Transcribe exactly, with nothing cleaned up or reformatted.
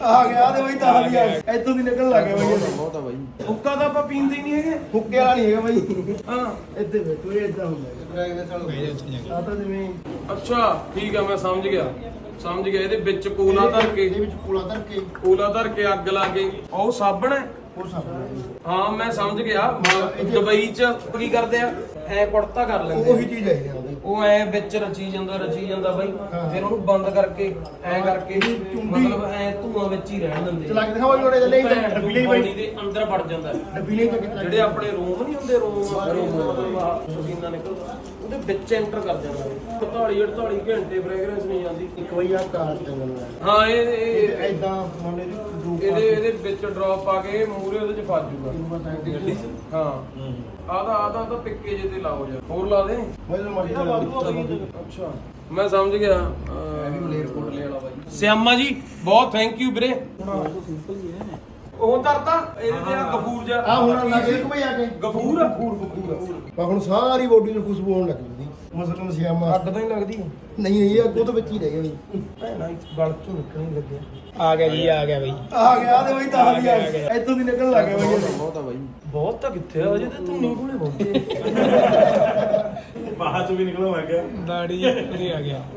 ਆ ਗਿਆ ਤੇ ਬਈ ਤਾਂ ਵੀ ਆ ਇੱਥੋਂ ਦੀ ਨਿਕਲਣ ਲੱਗ ਗਿਆ ਬਈ ਬਹੁਤ ਆ ਬਾਈ। ਹੁੱਕਾ ਤਾਂ ਆਪਾਂ ਪੀਂਦੇ ਹੀ ਨਹੀਂ ਹੈਗੇ। ਹੁੱਕੇ ਵਾਲਾ ਨਹੀਂ ਹੈਗਾ ਬਈ। ਹਾਂ ਇੱਥੇ ਬੈਠੋ ਇਹ ਇਦਾਂ ਹੁੰਦਾ ਆ ਤਾਂ ਜਿਵੇਂ ਅੱਛਾ ਠੀਕ ਆ, ਮੈਂ ਸਮਝ ਗਿਆ ਸਮਝ ਗਿਆ। ਇਹਦੇ ਵਿੱਚ ਕੋਲਾ ਧਰ ਕੇ, ਇਹਦੇ ਵਿੱਚ ਕੋਲਾ ਧਰ ਕੇ ਕੋਲਾ ਧਰ ਕੇ ਅੱਗ ਲਾ ਕੇ ਉਹ ਸਾਬਣ ਹੈ। ਉਹ ਸਭ ਹਾਂ ਮੈਂ ਸਮਝ ਗਿਆ। ਦੁਬਈ ਚ ਕੀ ਕਰਦੇ ਆ, ਐ ਕੁੜਤਾ ਕਰ ਲੈਂਦੇ ਉਹੀ ਆ। ਚੀਜ਼ ਹੈ ਇਹਦੇ ਨਾਲ। ਉਹ ਐ ਵਿੱਚ ਰਚੀ ਜਾਂਦਾ ਰਚੀ ਜਾਂਦਾ ਬਾਈ, ਫਿਰ ਉਹਨੂੰ ਬੰਦ ਕਰਕੇ ਐ ਕਰਕੇ ਮਤਲਬ ਐ ਧੂਆਂ ਵਿੱਚ ਹੀ ਰਹਿਣ ਦਿੰਦੇ। ਚਲਾ ਕੇ ਦਿਖਾਓ ਜੋੜੇ ਲੈ ਡੱਬੀ ਲਈ ਬੋਡੀ ਬਈ ਦੇ ਅੰਦਰ ਵੜ ਜਾਂਦਾ। ਡੱਬੀ ਲਈ ਤਾਂ ਜਿਹੜੇ ਆਪਣੇ ਰੂਮ ਨਹੀਂ ਹੁੰਦੇ, ਰੂਮ ਮਤਲਬ ਆਹ ਪਸੀਨਾ ਨਿਕਲਦਾ ਉਹਦੇ ਵਿੱਚ ਐਂਟਰ ਕਰ ਜਾਂਦਾ। ਅੜਤਾਲੀ ਅੜਤਾਲੀ ਘੰਟੇ ਫ੍ਰੈਗਰੈਂਸ ਨਹੀਂ ਜਾਂਦੀ। ਇੱਕ ਵਾਰੀ ਆ ਕਾਰ ਟੰਗਣ ਹਾਂ ਇਹ ਇਹ ਐਦਾਂ ਮੰਨੇ ਦੀ ਗਰੁੱਪ ਇਹਦੇ ਇਹਦੇ ਵਿੱਚ ਡ੍ਰੌਪ ਪਾ ਕੇ ਮੂਰੇ ਉਹਦੇ ਚ ਫਸ ਜੂਗਾ ਗੱਡੀ 'ਚ। ਹਾਂ ਆਦਾ ਆਦਾ ਤਾਂ ਪਿੱਕੇ ਜੇ ਤੇ ਲਾਓ ਯਾਰ, ਹੋਰ ਲਾ ਦੇ। ਮੈਨੂੰ ਮਰਜ਼ੀ ਅੱਛਾ ਮੈਂ ਸਮਝ ਗਿਆ। ਵੀ ਮਲੇਰਕੋਟਲੇ ਵਾਲਾ ਬਾਈ। ਸਿਆਮਾ ਜੀ ਬਹੁਤ ਥੈਂਕ ਯੂ ਵੀਰੇ। ਉਹ ਤਰਤਾ ਇਹਦੇ ਤੇ ਆ ਗਫੂਰ ਜਾ ਆ ਹੁਣ ਲੱਗ ਗਿਆ ਕੋਈ ਆ ਕੇ ਗਫੂਰ ਗਫੂਰ ਗਫੂਰ ਪਰ ਹੁਣ ਸਾਰੀ ਬੋਡੀ ਨੂੰ ਖੁਸ਼ਬੂ ਆਉਣ ਲੱਗ ਜਾਂਦੀ। ਮਸਲਨ ਸਿਆਮਾ ਅੱਗ ਤਾਂ ਹੀ ਲੱਗਦੀ ਨਹੀਂ ਇਹ ਅੱਗੋਂ ਤੋਂ ਵਿੱਚ ਹੀ ਰਹਿ ਗਿਆ ਬਈ। ਭੈਣਾ ਗਲ ਚੋਂ ਨਿਕਲਣ ਲੱਗਿਆ। ਆ ਗਿਆ ਜੀ, ਆ ਗਿਆ ਬਾਈ। ਆ ਗਿਆ ਤੇ ਬਈ ਤਾਂ ਵੀ ਆ ਇੱਥੋਂ ਦੀ ਨਿਕਲਣ ਲੱਗ ਗਿਆ ਬਈ ਬਹੁਤ ਆ ਬਾਈ। ਬਹੁਤ ਤਾਂ ਕਿੱਥੇ ਆ, ਅਜੇ ਤਾਂ ਤੂੰ ਨਹੀਂ ਕੋਲੇ ਪਹੁੰਚੇ। ਬਾਹਰ ਚੋਂ ਵੀ ਨਿਕਲਣ ਲੱਗ ਗਿਆ। ਦਾੜੀ ਪੂਰੀ ਆ ਗਿਆ।